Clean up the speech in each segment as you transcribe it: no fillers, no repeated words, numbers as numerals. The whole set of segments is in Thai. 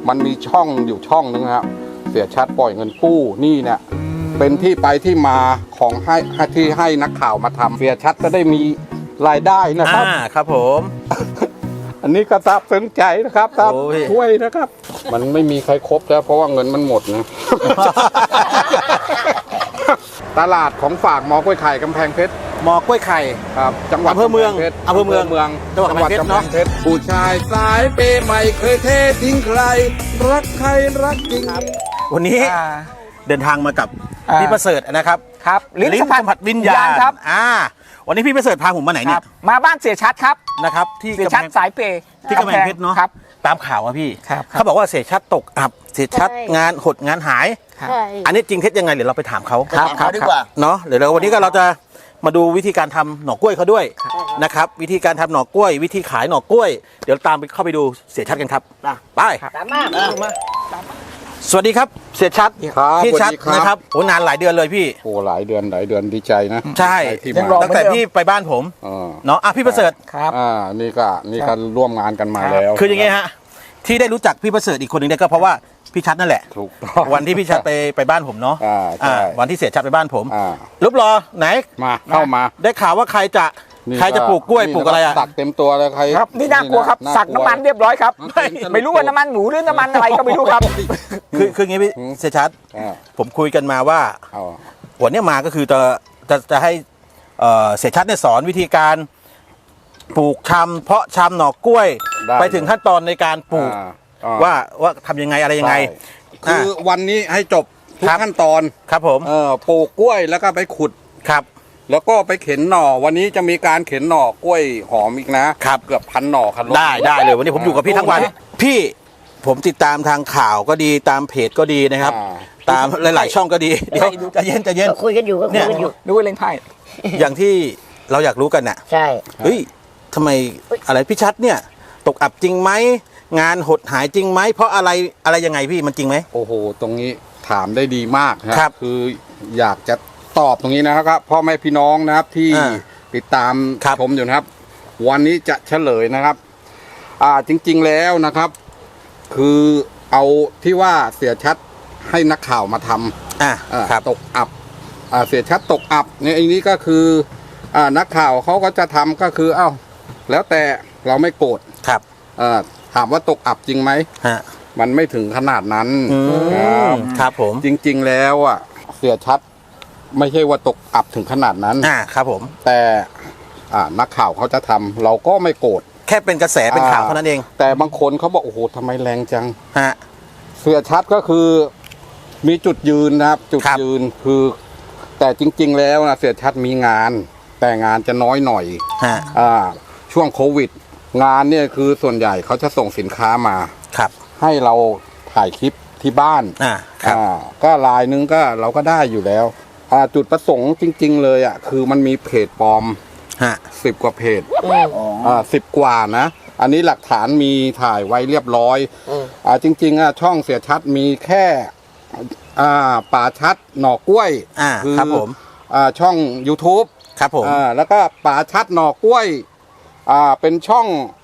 มันมีช่องอยู่ช่องนึงครับเสียชัดปล่อยเงินกู้นี่เนี่ยเป็นที่ไปที่มาของที่ให้นักข่าวมาทำเสียชัดก็ได้มีรายได้นะครับครับผมอันนี้ก็ซาบซึ้งใจนะครับครับช่วยนะครับมันไม่มีใครครบแล้วเพราะว่าเงินมันหมดนะ ตลาดของฝากมอกล้วยไข่กำแพงเพชรมอกล้วยไข่ครับจังหวัดอำเภอเมืองจังหวัดกำแพงเพชรเนาะผู้ชายสายเปย์ไม่เคยเททิ้งใครรักใครรักจริงวันนี้เดินทางมากับพี่ประเสริฐนะครับครับลิ้นสัมผัสวิญญาณครับวันนี้พี่ประเสริฐพาผมมาไหนเนี่ยมาบ้านเสียชัดครับนะครับที่เสียชัดสายเปย์ที่กำแพงเพชรเนาะครับตามข่าวอะพี่ครับเขาบอกว่าเสียชัดตกอับเสียชัดงานหดงานหายอันนี้จริงเท็จยังไงเดี๋ยวเราไปถามเขาดีกว่าเนาะเดี๋ยววันนี้ก็เราจะมาดูวิธีการทำหน่อกล้วยเขาด้วยนะครับวิธีการทำหน่อกล้วยวิธีขายหน่อกล้วยเดี๋ยวตามไปเข้าไปดูเสียชัดกันครับไปตามมาสวัสดีครับเสียชัดพี่ชัดนะครับโอ้นานหลายเดือนเลยพี่โอ้หลายเดือนดีใจนะใช่ตั้งแต่พี่ไปบ้านผมเนาะพี่ประเสริฐครับนี่ก็ร่วมงานกันมาแล้วคืออย่างงี้ฮะที่ได้รู้จักพี่ประเสริฐอีกคนหนึ่งเนี่ยก็เพราะว่าพี่ชัดนั่นแหละถูกต้องวันที่พี่ชัดไปบ้านผมเนาะวันที่เสียชัดไปบ้านผมรูปรอไหนเข้ามาได้ข่าวว่าใครจะปลูกกล้วยปลูกอะไรอะสักเต็มตัวเลยใครครับนี่น่ากลัวครับสักน้ำมันเรียบร้อยครับไม่รู้ว่าน้ำมันหมูหรือน้ำมันอะไรก็ไม่รู้ครับคืองี้พี่เสียชัดผมคุยกันมาว่าวันนี้มาก็คือจะให้เสียชัดเนี่ยสอนวิธีการปลูกชำเพาะชำหน่อกล้วยไปถึงขั้นตอนในการปลูกว่าทำยังไงอะไรยังไงคือวันนี้ให้จบทุกขั้นตอนครับผมปลูกกล้วยแล้วก็ไปขุดครับแล้วก็ไปเข็นหน่อวันนี้จะมีการเข็นหน่อกล้วยหอมอีกนะครับเกือบ1,000 หน่อครับได้เลยวันนี้ผมอยู่กับพี่ทั้งวันพี่ผมติดตามทางข่าวก็ดีตามเพจก็ดีนะครับตามหลายๆช่องก็ดีเดี๋ยวจะเย็นคุยกันอยู่ดูเล่นไพ่อย่างที่เราอยากรู้กันน่ะใช่เฮ้ยทำไมอะไรพี่ชัดเนี่ยตกอับจริงไหมงานหดหายจริงไหมเพราะอะไรยังไงพี่มันจริงไหมโอ้โหตรงนี้ถามได้ดีมากครับคืออยากจะตอบตรงนี้นะครับพ่อแม่พี่น้องนะครับที่ติดตามชมอยู่นะครับวันนี้จะเฉลยนะครับจริงๆแล้วนะครับคือเอาที่ว่าเสียชัดให้นักข่าวมาทำตกอับเสียชัดตกอับเนี่ยอันนี้ก็คือนักข่าวเขาก็จะทำก็คือแล้วแต่เราไม่โกรธครับถามว่าตกอับจริงไหมมันไม่ถึงขนาดนั้นครับผมจริงๆแล้วเสียชัดไม่ใช่ว่าตกอับถึงขนาดนั้นครับผมแต่นักข่าวเขาจะทำเราก็ไม่โกรธแค่เป็นกระแสเป็นข่าวเท่านั้นเองแต่บางคนเขาบอกโอ้โหทำไมแรงจังเสียชัดก็คือมีจุดยืนนะครับจุดยืนคือแต่จริงๆแล้วนะเสียชัดมีงานแต่งานจะน้อยหน่อยช่วงโควิดงานเนี่ยคือส่วนใหญ่เขาจะส่งสินค้ามาให้เราถ่ายคลิปที่บ้านก็รายนึงก็เราก็ได้อยู่แล้วจุดประสงค์จริงๆเลยคือมันมีเพจปลอม10 กว่าเพจ10 กว่านะอันนี้หลักฐานมีถ่ายไว้เรียบร้อยจริงๆช่องเสียชัดมีแค่ป่าชัดหน่อกล้วยคือช่อง YouTube ครับผมแล้วก็ป่าชัดหน่อกล้วยเป็นช่อง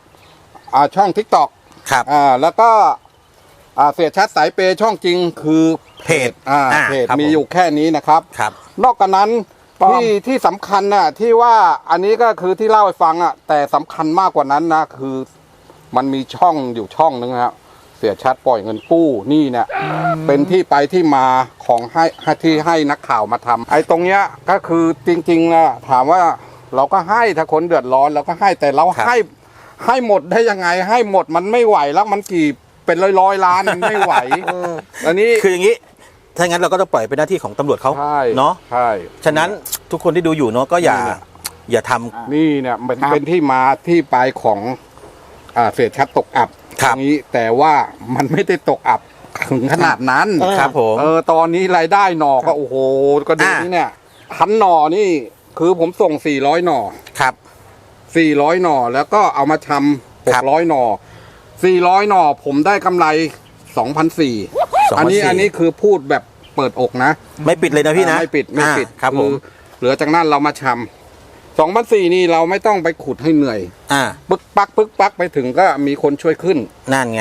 TikTok ครับแล้วก็เสียชัดสายเปย์ช่องจริงคือเพจมีอยู่แค่นี้นะครับนอกจากนั้นที่สำคัญน่ะที่ว่าอันนี้ก็คือที่เล่าให้ฟังแต่สำคัญมากกว่านั้นนะคือมันมีช่องอยู่ช่องนึงครับเสียชัดปล่อยเงินกู้นี่เนี่ยเป็นที่ไปที่มาของที่ให้นักข่าวมาทำไอ้ตรงเนี้ยก็คือจริงๆนะถามว่าเราก็ให้ถ้าคนเดือดร้อนเราก็ให้แต่เราให้หมดได้ยังไงให้หมดมันไม่ไหวแล้วมันกี่เป็นร้อยล้านมันไม่ไหวอันนี้คืออย่างนี้ถ้างั้นเราก็ต้องปล่อยเป็นหน้าที่ของตำรวจเขาเนาะใช่ฉะนั้นทุกคนที่ดูอยู่เนาะก็อย่าทำนี่เนี่ยมันเป็นที่มาที่ไปของเสียชัดตกอับอย่างนี้แต่ว่ามันไม่ได้ตกอับถึงขนาดนั้นครับผมตอนนี้รายได้หน่อก็โอ้โหก็ดูนี่เนี่ย1,000 หน่อนี่คือผมส่ง400 หน่อครับ 400 หน่อแล้วก็เอามาทำ600 หน่อ400 หน่อผมได้กำไร 2,400 อันนี้คือพูดแบบเปิดอกนะไม่ปิดเลยนะพี่นะไม่ปิดครับผมเหลือจากนั้นเรามาทำ2,400นี่เราไม่ต้องไปขุดให้เหนื่อยปึ๊กปักไปถึงก็มีคนช่วยขึ้นนั่นไง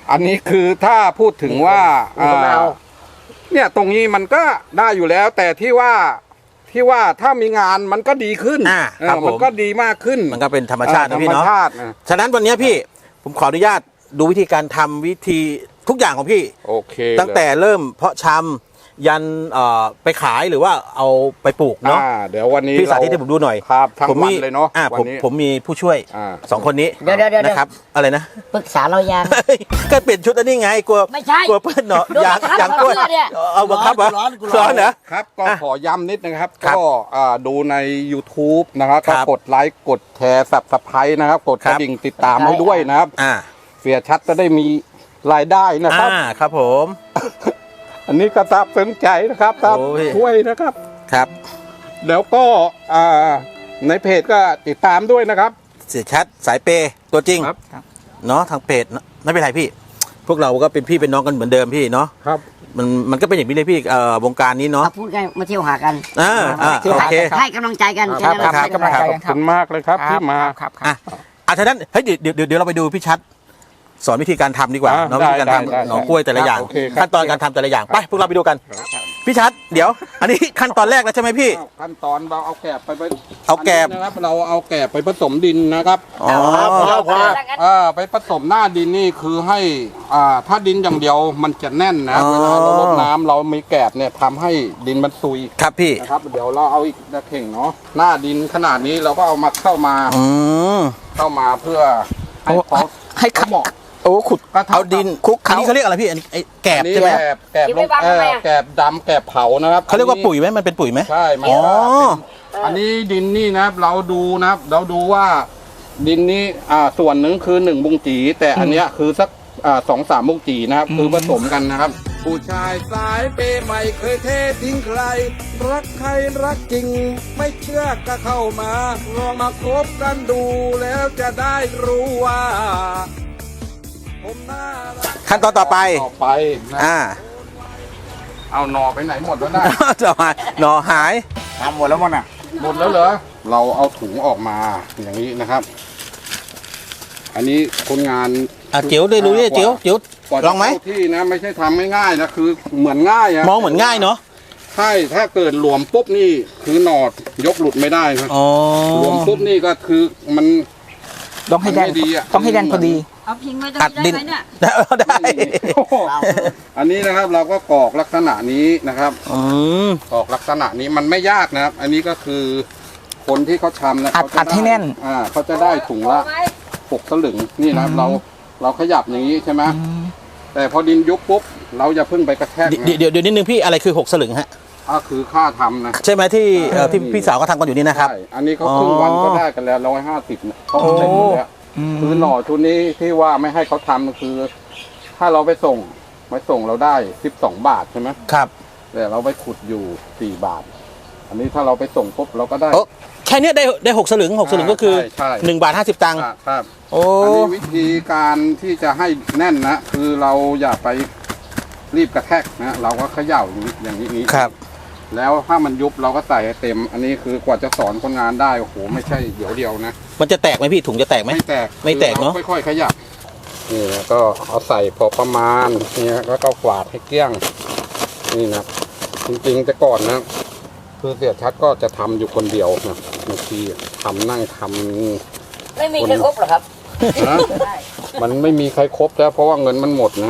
อันนี้คือถ้าพูดถึงว่าผมเอาเนี่ยตรงนี้มันก็ได้อยู่แล้ว แต่ที่ว่าถ้ามีงานมันก็ดีขึ้นครับผมมันก็ดีมากขึ้นมันก็เป็นธรรมชาตินะพี่ธรรมเนาะชาตินะฉะนั้นวันนี้พี่ผมขออนุญาตดูวิธีการทำวิธีทุกอย่างของพี่โอเคตั้งแต่เริ่มเพาะชำยันไปขายหรือว่าเอาไปปลูกเนาะเดี๋ยววันนี้พี่สาธิตให้ผมดูหน่อยครับทั้งผมวันมีเลยเนาะผวันมนี้ผมมีผู้ช่วย สองคนนี้เดี๋ยวนะครับอะไรนะปรึกษาเรายังก็เปลี่ยนชุดอันนี้ไงกลัวไม่ใช่กลัวเพื่อนเนาะโดนอยากบังคับอยากกลัวเพื่อนเนี่ยเอาบังคับเหรอร้อนเหรอครับก็อ่ะขอย้ำนิดนะครับครับก็ดูใน YouTube นะครับครัก็บกดไลค์กดแชร์Subscribe นะครับกดครักระบดิ่งติดตามให้ด้วยนะครับ เสียชัดจะได้มีรายได้นะครับครับผมอันนี้ก็ทราบสนใจนะครับทราบโอ้ยช่วยนะครับครับแล้วก็ในเพจก็ติดตามด้วยนะครับเสียชัดสายเปย์ตัวจริงครับเนาะทางเพจไม่เป็นไรพี่ พวกเราก็เป็นพี่เป็นน้องกันเหมือนเดิมพี่เนาะครับมันก็เป็นอย่างนี้เลยพี่วงการนี้เนาะพูดกันมาเที่ยวหากันโอเคให้กำลังใจกันครับแนั้นครับไม่กำลังใจขอบคุณมากเลยครับที่มาครับอ่ะฉะนั้นเฮ้ยเดี๋ยวเราไปดูพี่ชัดสอนวิธีการทำดีกว่าอ่ะเนาะวิธีการได้ทำได้หน่อกล้วยแต่ละอย่างโอเคครับขั้นตอนการทำแต่ละอย่างไปพวกเราไปดูกันพี่ชัดเดี๋ยว อันนี้ขั้นตอนแรกแล้วใช่ไหมพี่ขั้นตอนเราเอาแกบไปเอาแกบนนี้นะครับเราเอาแกบไปผสมดินนะครับอ๋อไปผสมหน้าดินนี่คือให้ถ้าดินอย่างเดียวมันจะแน่นนะอ๋อเวลาเรารดน้ำเรามีแกบเนี่ยทำให้ดินมันซุยครับพี่นะครับเดี๋ยวเราเอาอีกตะเข่งเนาะหน้าดินขนาดนี้เราก็เอามาเข้ามา เพื่อให้เขาให้ขับเหมาะโอ้ขุดก็เอาดินคลุกเคล้าอันนี้เขาเรียกอะไรพี่อันนี้ไอ้แกบอันนี้ใช่ไหมแกบลงแกบดำแกบเผานะครับเขาเรียกว่าปุ๋ยไหมมันเป็นปุ๋ยไหมใช่มันอ๋อเป็นอันนี้ดินนี่นะครับเราดูนะครับเราดูว่าดินนี้ส่วนหนึ่งคือ1บุงจีแต่อันเนี้ยคือสัก2-3บุงจีนะครับคือผสมกันนะครับ ผู้ชายสายเปย์ไม่เคยเททิ้งใคร รักใครรักจริง ไม่เชื่อก็เข้ามาลองมาคบกันดูแล้วจะได้รู้ว่า ผมน่ารักขั้นตอนต่อไปนะ เอาหนอไปไหนหมดแล้วนะต่อมาหน่อหายทำหมดแล้วมั้งน่ะหมดแล้วเหรอ เราเอาถุงออกมาอย่างนี้นะครับ อันนี้คนงานเจียวได้รู้เนี่ยเจียวกว่าลจะองไหมเข้าที่นะไม่ใช่ทำง่ายๆนะคือเหมือนง่ายอะมองเหมือนง่ายเนาะใช่ถ้าเกิดหลวมปุ๊บนี่คือหนอดยกหลุดไม่ได้ครับอ๋อหลวมปุ๊บนี่ก็คือมันต้องให้แดนมันไม่ดีอะต้องให้แดนพอดีเอาพิงไว้ตรงอัดดินี้นได้ไหมเนี่ยได้โอ้โหอันนี้นะครับเราก็กรอกลักษณะนี้นะครับอืมกรอกลักษณะนี้มันไม่ยากนะครับ อันนี้ก็คือคนที่เขาทำนะอัดเขาจะอัดให้แน่นเขาจะได้ถุงละ 6 สลึงนี่นะครับเราขยับอย่างนี้ใช่ไหมแต่พอดินยุบปุ๊บเราอย่าเพิ่งไปกระแทกนะเดี๋ยวนิดนึงพี่อะไรคือ6สลึงฮะก็คือค่าทำนะใช่ไหมที่ที่พี่สาวก็ทำกันอยู่นี่นะครับใช่อันนี้เขาครึ่งวันก็ได้กันแล้ว150นะเขาเสร็จหมดแล้วคือหน่อชุดนี้ที่ว่าไม่ให้เขาทำคือ ถ้าเราไปส่งเราได้12 บาทใช่ไหมครับแต่เราไปขุดอยู่4 บาท อันนี้ถ้าเราไปส่งปุ๊บเราก็ได้โอ้แค่เนี้ยได้6สลึง6สลึงก็คือใช่ 1 บาท 50 ตังค์ครับโอ้อันนี้วิธีการที่จะให้แน่นนะคือเราอย่าไปรีบกระแทกนะเราก็เขย่าอย่างนี้ครับแล้วถ้ามันยุบเราก็ใส่ให้เต็ม อันนี้คือกว่าจะสอนคนงานได้โอ้โหไม่ใช่เดี๋ยวเดียวนะมันจะแตกไหมพี่ถุงจะแตกไหมไม่แตกไม่แตกเนอะคือรค่อยๆขยับนี่นะก็เอาใส่พอประมาณนี่แล้วก็กวาดให้เกลี้ยงนี่นะจริงๆแต่ก่อนนะคือเสียชัดก็จะทำอยู่คนเดียวนะบางทีทำนั่งทำไม่มีใครครบหรอครับนะมันไม่มีใครครบแล้วเพราะว่าเงินมันหมดนะ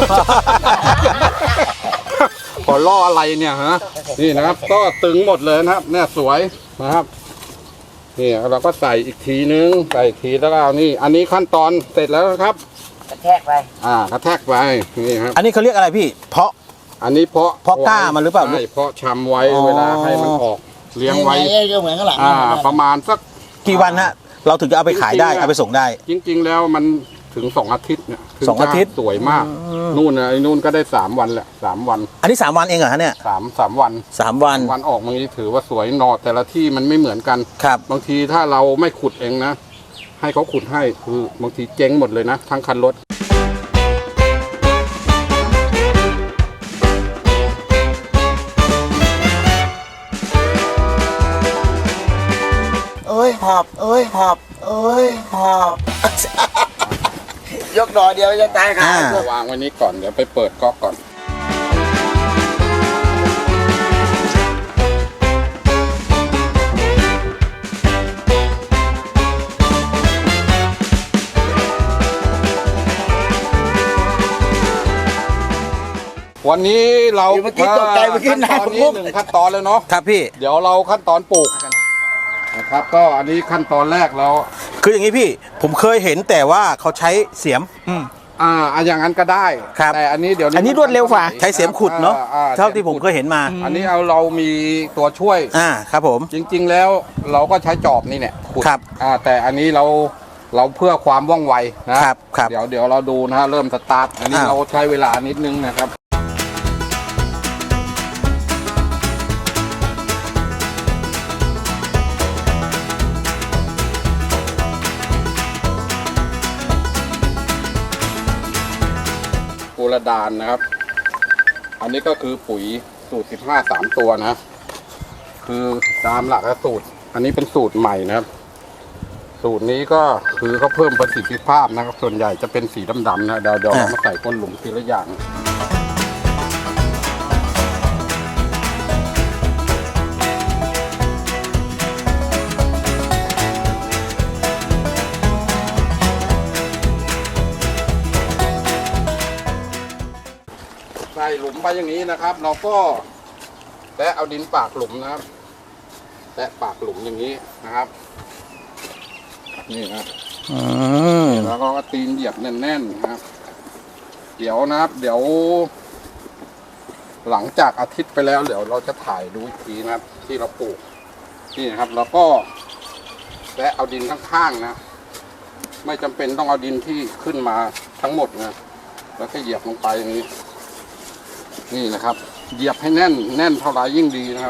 ขอล่ออะไรเนี่ยฮะนี่นะครับ ก็ตึงหมดเลยนะครับ เนี่ยสวยนะครับนี่เราก็ใส่อีกทีนึงใส่อีกทีแล้วก็เอานี่ อันนี้ขั้นตอนเสร็จแล้วนะครับกระแทกไปกระแทกไปนี่ครับอันนี้เขาเรียกอะไรพี่ เพาะอันนี้เพาะเพาะกล้ามันหรือเปล่าใช่เพาะชำไว้อ๋อเวลาให้มันออกเลี้ยงไว้เหมือนข้างหลังประมาณสักกี่วันฮะเราถึงจะเอาไปขายได้เอาไปส่งได้จริง ๆ แล้วมันถึง2 อาทิตย์เนี่ยถึสองอาทิตย์จะสวยมากนู่นนะไอ้นู่นก็ได้3 วันแหละ3 วันอันนี้3 วันเองเหรอฮะเนี่ย 3 วัน 3 วันวันออกมันถือว่าสวยหนอแต่ละที่มันไม่เหมือนกันครับบางทีถ้าเราไม่ขุดเองนะ ให้เขาขุดให้คือบางทีเจ๊งหมดเลยนะ ทั้งคันรถเอ้ยหอบเอ้ยหอบเอ้ยหอบยกหน่อเดียวจะตายค่ะวางไว้นี้ก่อนเดี๋ยวไปเปิดก๊อกก่อนวันนี้เราเมื่อกี้ตกใจเมื่อกี้ขั้นตอนนี้น้ำหนึ่งขั้นตอนเลยเนาะครับพี่เดี๋ยวเราขั้นตอนปลูกนะครับก็อันนี้ขั้นตอนแรกแล้วคืออย่างนี้พี่ผมเคยเห็นแต่ว่าเขาใช้เสียมอย่างนั้นก็ได้ครับแต่อันนี้เดี๋ยวอันนี้รวดเร็วกว่าใช้เสียมขุดเนาะ เท่าที่ผมเคยเห็นมาอันนี้เรามีตัวช่วยครับผมจริงๆแล้วเราก็ใช้จอบนี่เนี่ยขุดครับแต่อันนี้เราเพื่อความว่องไวนะครับครับเดี๋ยวเราดูนะฮะเริ่มสตาร์ทอันนี้อ่าเราใช้เวลานิดนึงนะครับโกระดานนะครับ อันนี้ก็คือปุ๋ยสูตร 15 3 ตัวนะ คือตามหลักสูตร อันนี้เป็นสูตรใหม่นะครับ สูตรนี้ก็คือเขาเพิ่มประสิทธิภาพนะครับ ส่วนใหญ่จะเป็นสีดำๆนะเดี๋ยวเรามาใส่ก้นหลุมทีละอย่าง ใส่หลุมไปอย่างนี้นะครับ เราก็แตะเอาดินปากหลุมนะครับแตะปากหลุมอย่างนี้นะครับ นี่นะแล้วก็ตีนเหยียบแน่นๆนะครับ เดี๋ยวนะครับ เดี๋ยว หลังจากอาทิตย์ไปแล้วเดี๋ยวเราจะถ่ายดูอีกทีนะครับ ที่เราปลูกนี่นะครับแล้วก็แตะเอาดินข้างๆนะไม่จำเป็นต้องเอาดินที่ขึ้นมาทั้งหมดนะแล้วก็เหยียบลงไปอย่างนี้ นี่นะครับเหยียบให้แน่นเท่าไรยิ่งดีนะครับ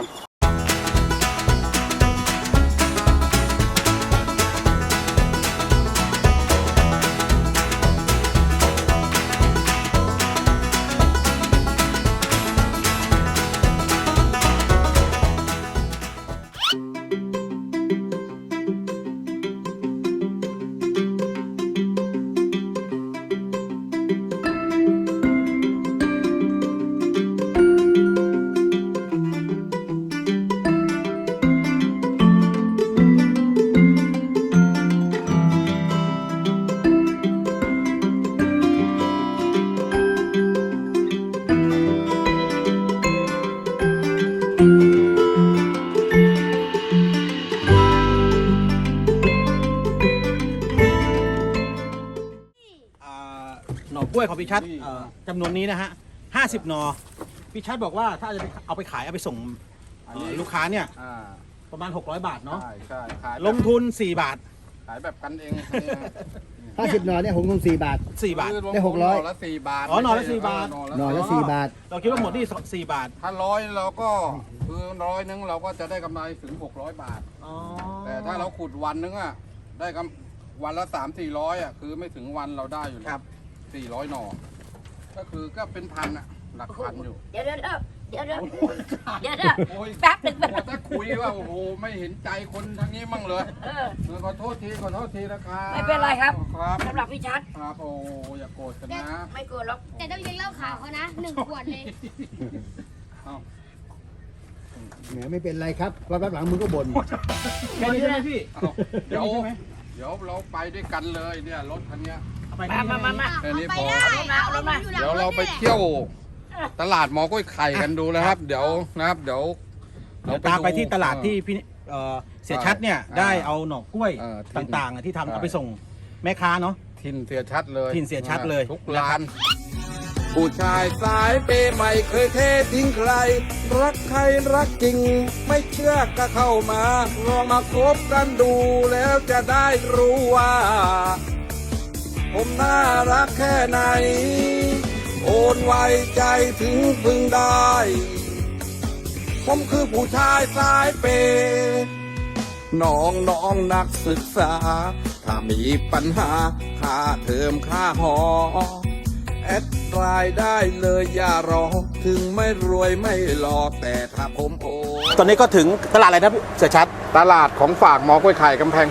หน่อกล้วยของพี่ชัดจำนวนนี้นะฮะ50 หน่อพี่ชัดบอกว่าถ้าจะเอาไปขายเอาไปส่งลูกค้าเนี่ยประมาณ600 บาทเนาะใช่ขายลงทุน4 บาทขายแบบกันเอง 50 หน่อเนี่ยผมลง4 บาท 4 บาทได้600 หน่อละ4 บาทอ๋อหน่อละ4 บาทหน่อละ4 บาทเราคิดว่าหมดที่4 บาทถ้า100เราก็คือ100นึงเราก็จะได้กำไรถึง600 บาท แต่ถ้าเราขุดวันนึงอ่ะได้วันละ300-400อ่ะคือไม่ถึงวันเราได้อยู่แล้ว400 หน่อก็คือก็เป็นพันอ่ะหลักพันอยู่เดี๋ยวแป๊บหนึ่งถ้าคุยว่าโอ้โหไม่เห็นใจคนทางนี้มั่งเลยขอโทษทีนะครับไม่เป็นไรครับครับสำหรับพี่ชัดครับโอ้อย่าโกรธกันนะไม่โกรธหรอกแต่ต้องเลี้ยงเหล้าขาวเขานะ1 ขวดเลยแหมไม่เป็นไรครับแป๊บหลังมึงก็บ่นแค่นี้ใช่ไหมพี่เอาเดี๋ยวเราไปด้วยกันเลยเนี่ยรถคันเนี้ยไปมาแค่นี้พอเอารถมาเดี๋ยวเราไปเที่ยวตลาดหมอกล้วยไข่กันดูนะครับ เดี๋ยวนะครับเดี๋ยวเราตามไปที่ตลาดที่พี่เสียชัดเนี่ยได้เอาหน่อกล้วยที่ต่างๆที่ทำเอาไปส่งแม่ค้าเนาะทินเสียชัดเลยถิ่นเสียชัดเลยทุกร้าน ผู้ชายสายเปย์ไม่เคยเททิ้งใคร รักใครรักจริง ไม่เชื่อก็เข้ามาลองมาคบกันดูแล้วจะได้รู้ว่า ผมน่ารักแค่ไหน โอนไว้ใจถึงพึงได้ ผมคือผู้ชายสายเปย์น้องนักศึกษา ถ้ามีปัญหาค่าเทอมค่าหอ แอดไลน์ได้เลยอย่ารอ ถึงไม่รวยไม่หล่อแต่ถ้าผมโอตอนนี้ก็ถึงตลาดอะไรนะพี่เสียชัดตลาดของฝากหมอกล้วยไข่กำแพงเพชร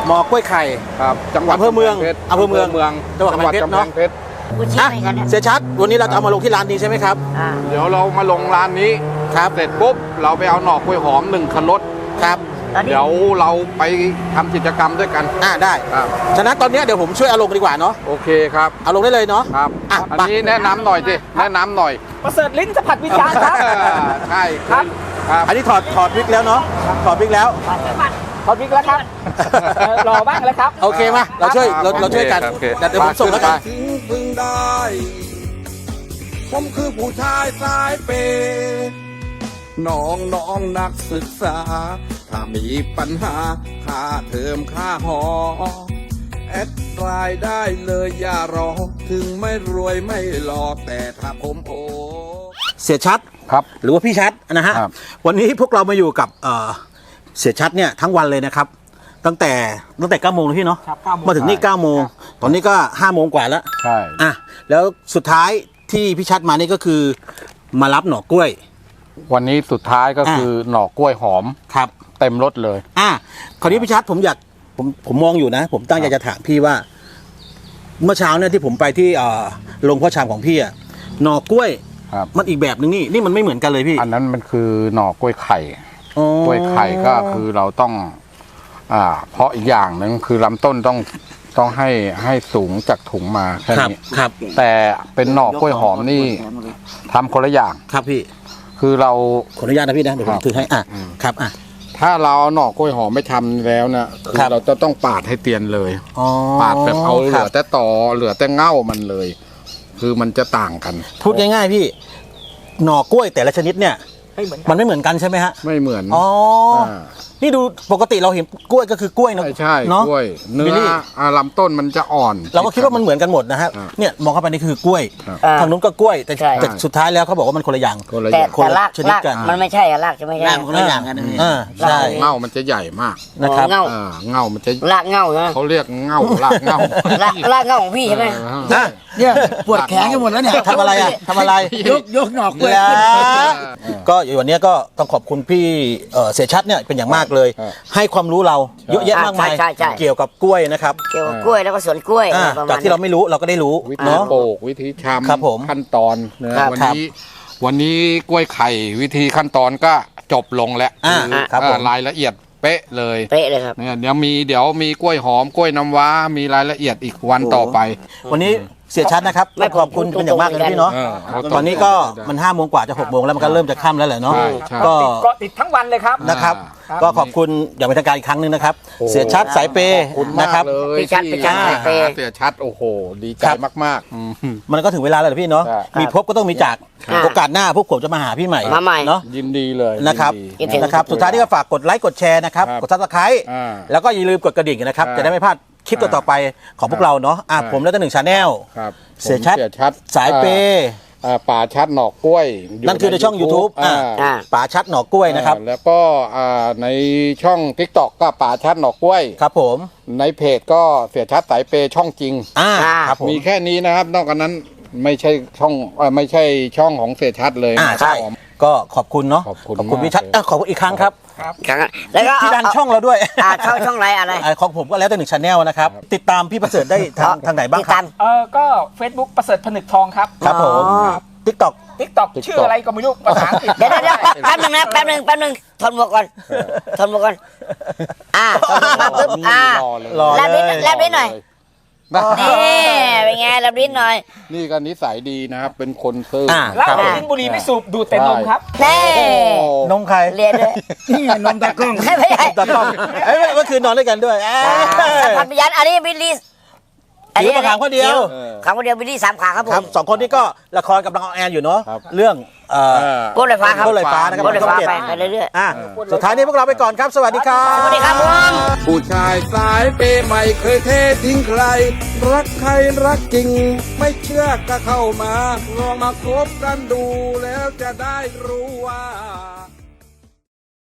หน่อกล้วยไข่ครับจังหวัดอำเภอเมืองอำเภอเมืองจังหวัดกำแพงเพชรเนอะกำแพงเพชรกูชี้อ่ะไปกันเนี่ยเสียชัดวันนี้เราจะเอามาลงที่ร้านนี้ใช่ไหมครับอ่าเดี๋ยวเรามาลงร้านนี้ครับเสร็จปุ๊บเราไปเอาหน่อกล้วยหอม1 คันรถครับตอนนี้เดี๋ยวเราไปทำกิจกรรมด้วยกันได้ครับฉะนั้นตอนนี้เดี๋ยวผมช่วยเอาลงดีกว่าเนาะโอเคครับเอาลงได้เลยเนาะครับอ่ะอันนี้แนะนำหน่อยสิแนะนำหน่อยประเสริฐลิ้นสัมผัสวิญญาณครับใช่ครับครับอันนี้ถอดวิกแล้วเนาะถอดวิกแล้วขอบคุณแล้วครับรอบ้างแล้วครับโอเคมาเราช่วยเราช่วยกันโอเคเดี๋ยวผมส่งแล้วกันถึงพึงได้ ผมคือผู้ชายสายเปน้องนักศึกษา ถ้ามีปัญหาค่าเทอมค่าหอ แอดรายได้เลยอย่ารอ ถึงไม่รวยไม่หล่อแต่ถ้าผมโอเสียชัดครับหรือว่าพี่ชัดนะฮะครับวันนี้พวกเรามาอยู่กับเสียชัดเนี่ยทั้งวันเลยนะครับ ตั้งแต่9 โมงเลยพี่เนาะครับ9 โมงมาถึงนี่9 โมงตอนนี้ก็5 โมงกว่าแล้วใช่อ่ะแล้วสุดท้ายที่พี่ชัดมานี่ก็คือมารับหน่อกล้วยวันนี้สุดท้ายก็คือหน่อกล้วยหอมครับเต็มรถเลยคราวนี้พี่ชัดผมมองอยู่นะ ผมตั้งใจจะถามพี่ว่า เมื่อเช้าเนี่ยที่ผมไปที่โรงพ่อชามของพี่อะหน่อกล้วยครับมันอีกแบบนึงนี่มันไม่เหมือนกันเลยพี่อันนั้นมันคือหน่อกล้วยไข่อ๋อกล้วยไข่ก็คือเราต้องเพราะอีกอย่างหนึ่งคือลำต้นต้องให้สูงจากถุงมาแค่ครับนี้ครับแต่เป็นหน่อกล้วยหอมนี่ทำคนละอย่างครับพี่คือเราขออนุญาตนะพี่นะเดี๋ยวผครัมบถือให้ครับถ้าเราเอาหน่อกล้วยหอมไม่ทำแล้วนะคือครับเราจะต้องปาดให้เตียนเลยอ๋อปาดแบบเอาเหคลืรัอบ แต่ตอเหลือแต่เง่ามันเลย คือมันจะต่างกันพูดง่ายๆพี่ หน่อกล้วยแต่ละชนิดเนี่ยไม่เหมือนกันมันไม่เหมือนกันใช่ไหมฮะไม่เหมือนอ๋อนี่ดูปกติเราเห็นกล้วยก็คือกล้วยนะใช่เนาะกล้วยเนื้บิลลี่อลำต้นมันจะอ่อนเราก็คิดว่ามันเหมือนกันหมดนะฮะครับเนี่ยมองเข้าไปนี่คือกล้วยครับทางนู้นก็กล้วยแต่ใช่แต่สุดท้ายแล้วเขาบอกว่ามันคนละอย่างคนละอแต่ย่างคนละรากชนิดรากกันมันไม่ใช่อะรากจะไม่ใช่คนละอย่างกันใช่เง่ามันจะใหญ่มากนะครับเง่าเง่ามันจะรากเง่าใช่ไหมเขาเรียกเง่ารากเง่ารากเง่าของพี่ใช่ไหมนะเนี่ยปวดแขนกันหมดแล้วเนี่ยทำอะไรทำอะไรยกหนอกกล้วยแล้วก็วันนี้ก็ต้องขอบคุณพี่เสียชัดเนี่ยเป็นอย่างมากเลย ให้ความรู้เราเยอะแยะมากมายใช่เกี่ยวกับกล้วยนะครับเกี่ยวกับกล้วยแล้วก็สวนกล้วยอ่าประมาณจากที่เราไม่รู้เราก็ได้รู้วิธีเนาะโปกวิธีชครับผมำขั้นตอนนะครับ วันนี้กล้วยไข่วิธีขั้นตอนก็จบลงแล้วครับผมรายละเอียดเป๊ะเลยเป๊ะเลยครับเนี่ยเดี๋ยวมีกล้วยหอมกล้วยน้ำว้ามีรายละเอียดอีกวันต่อไปวันนี้เสียชัดนะครับไม่ขอบคุณเป็นอย่างมากเลยนะพี่เนาะ ตอนนี้ก็มัน5 โมงกว่าจะ6 โมงแล้วมันก็เริ่มจะค่ำแล้วแหละเนาะใช่ใช่ก็เกาะติดทั้งวันเลยครับนะครับครับก็ขอบคุณอย่างเป็นทางการอีกครั้งหนึงนะครับโอ้เสียชัดสายเปย์ขอบคุณนะมากครับเลยพี่ชัดที่สายเปย์หาเสียชัดโอ้โห ดีใจครับมากๆมันก็ถึงเวลาแล้วเหรอพี่เนาะใช่มีพบก็ต้องมีจากครับโอกาสหน้าพวกผมจะมาหาพี่ใหม่มาใหม่เนาะยินดีเลยนะครับยินดีนะครับสุดท้ายนี่ก็ฝากกดไลค์กดแชร์นะครับครับกดซับสไครต์อ่าแล้วก็อย่าลืมกดกระดิ่งนะครับครับจะได้ไม่พลาดคลิปต่อๆไปของพวกเราเนาะครับผมแล้วก็1 Channel ครับเสียชัดผมเสียชัดสายเปย์ป่าชัดหนอกกล้วยยู่นั่นคือในช่อง YouTube อ่าป๋าชัดหน่อกล้วยนะครับแล้วก็ในช่อง TikTok ก็ป่าชัดหนอกกล้วยครับผมในเพจก็เสียชัดสายเปย์ช่องจริงครับผมมีแค่นี้นะครับ นอกจากนั้นไม่ใช่ช่องของเสียชัดเลยใช่ครับก็ขอบคุณเนาะขอบคุณพี่มากชัดเลยขอบคุณอีกครั้งครับครับแล้วก็ที่ดันช่องเราด้วยช่องไรอะไรของผมก็แล้วแต่Channelนะครับ ติดตามพี่ประเสริฐได้ทางไหนบ้างติดครัตาบมก็ Facebook ประเสริฐผนึกทองครับครับผม TikTok TikTok ชื่ออะไรก็ไม่รู้ภาษาอังกฤษเดี๋ยวแป๊บนึงนะแป๊บนึงทนหมวกก่อนทนหมวกก่อนทนหมวกมาปุ๊บรอเลยรอแลบลิ้นหน่อยนี่เป็นไงแลบลิ้นหน่อยนี่ก็นิสัยดีนะครับ เป็นคนซื่อแล้วครับลิ้นบุหรี่ไม่สูบดูดแต่นมครับแน่นมใครเรียนด้วยนี่ไงนมตากล้องไม่ใช่ตากล้องเมื่อคืนนอนด้วยกันด้วยสัมผัสวิญญาณอันนี้บิลลี่ถือมาขังคนเดียวขังคนเดียวบิลลี่3 ขาครับผครับม 2 คนนี้ก็ละครกำลังออนแอร์อยู่เนาะครับเรื่องโก้ลอยฟ้าครับโก้ลอยฟ้านะครับโก้ลอยฟ้าช่องไป 7 เรื่อยสุดท้ายนี้พวกเราไปก่อนครับ สวัสดีครับๆสวัสดีครับผมผู้ชายสายเปย์ไม่เคยเททิ้งใคร รักใครรักจริง ไม่เชื่อก็เข้ามา ลองมาคบกันดูแล้วจะได้รู้ว่า